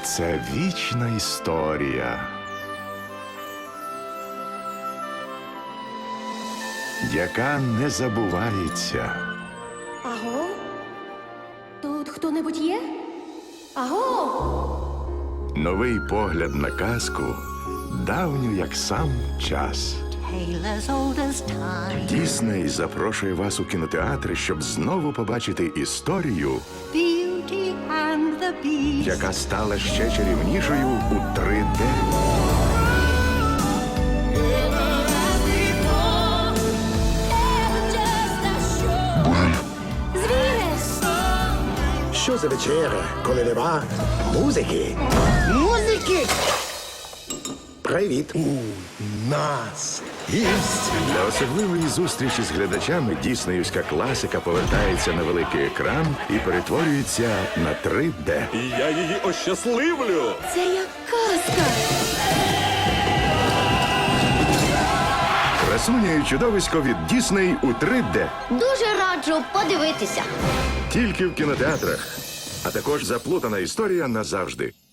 Це вічна історія, яка не забувається. Аго? Тут хто-небудь є? Аго? Новий погляд на казку, давню як сам час. Tale as old as time. Дісней запрошує вас у кінотеатри, щоб знову побачити історію, Beauty and the Beast. яка стала ще чарівнішою у 3D. Що за вечеря, коли нема музики? Музики! Привіт. У нас гість. Для особливої зустрічі з глядачами діснеївська класика повертається на великий екран і перетворюється на 3D. І я її ощасливлю. Це як казка. Красуня і чудовисько від Дісней у 3D. Дуже раджу подивитися. Тільки в кінотеатрах. А також заплутана історія назавжди.